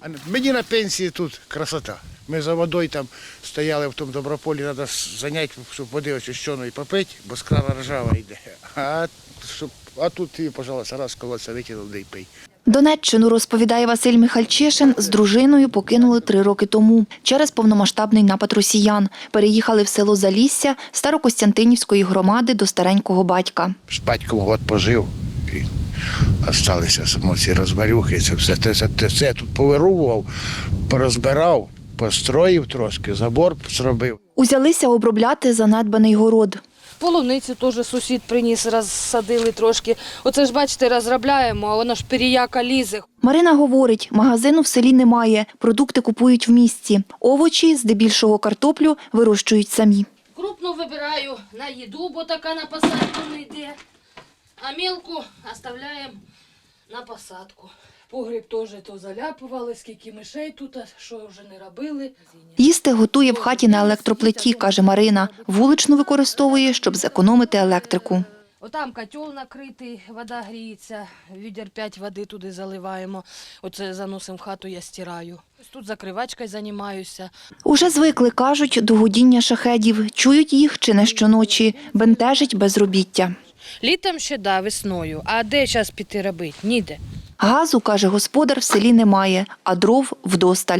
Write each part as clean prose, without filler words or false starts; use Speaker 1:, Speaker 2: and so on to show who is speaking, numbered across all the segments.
Speaker 1: Мені на пенсії тут красота. Ми за водою там стояли в тому Доброполі, треба зайняти, щоб води очищеної попити, бо з крана ржава йде. А тут ти, пожалуйста, раз колодця викинув, де й пий.
Speaker 2: Донеччину, розповідає Василь Михальчишин, з дружиною покинули 3 роки тому через повномасштабний напад росіян. Переїхали в село Залісся Старокостянтинівської громади до старенького батька.
Speaker 1: З батьком год пожив і залишилися само ці розварюхи. Це я тут повирував, порозбирав, построїв трошки, забор зробив.
Speaker 2: Узялися обробляти занедбаний город.
Speaker 3: Полуницю теж сусід приніс, розсадили трошки. Оце ж, бачите, розробляємо, а воно ж періяка лізе.
Speaker 2: Марина говорить, магазину в селі немає, продукти купують в місті. Овочі, здебільшого картоплю, вирощують самі.
Speaker 3: Крупну вибираю на їду, бо така на посадку не йде. А мілку оставляємо на посадку. Погріб теж то заляпували, скільки мишей тут, що вже не робили.
Speaker 2: Їсти готує в хаті на електроплиті, каже Марина. Вуличну використовує, щоб зекономити електрику.
Speaker 3: Отам котел накритий, вода гріється, відер 5 води туди заливаємо. Оце заносимо в хату, я стираю. Тут закривачкою займаюся.
Speaker 2: Уже звикли, кажуть, до гудіння шахедів. Чують їх чи не щоночі. Бентежить безробіття.
Speaker 3: Літом ще, да, весною. А де зараз піти робити? Ніде.
Speaker 2: Газу, каже господар, в селі немає, а дров вдосталь.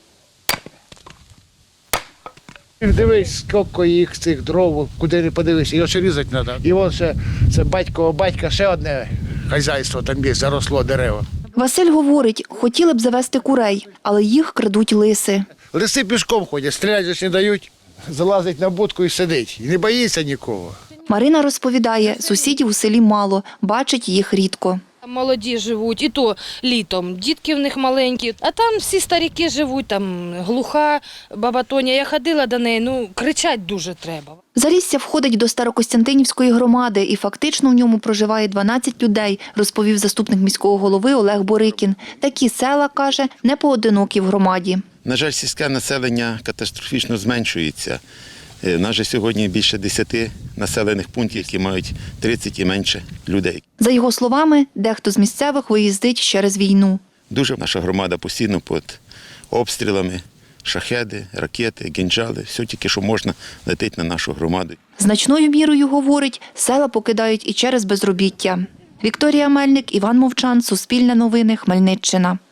Speaker 1: Дивись, скільки їх цих дров, куди не подивишся, його ще різати треба. І ось ще, це батькового батька, ще одне хазяйство там є, заросло дерева.
Speaker 2: Василь говорить, хотіли б завести курей, але їх крадуть лиси.
Speaker 1: Лиси пішком ходять, стріляти ж не дають, залазить на будку і сидить. І не боїться нікого.
Speaker 2: Марина розповідає, сусідів у селі мало, бачить їх рідко.
Speaker 3: Молоді живуть, і то літом. Дітки в них маленькі. А там всі старіки живуть, там глуха баба Тоня. Я ходила до неї, кричать дуже треба.
Speaker 2: Залісся входить до Старокостянтинівської громади і фактично в ньому проживає 12 людей, розповів заступник міського голови Олег Борикін. Такі села, каже, не поодинокі в громаді.
Speaker 4: На жаль, сільське населення катастрофічно зменшується. У нас же сьогодні більше 10 населених пунктів, які мають 30 і менше людей.
Speaker 2: За його словами, дехто з місцевих виїздить через війну.
Speaker 4: Дуже наша громада постійно під обстрілами, шахеди, ракети, кинджали, все тільки, що можна, летить на нашу громаду.
Speaker 2: Значною мірою, говорить, села покидають і через безробіття. Вікторія Мельник, Іван Мовчан, Суспільне новини, Хмельниччина.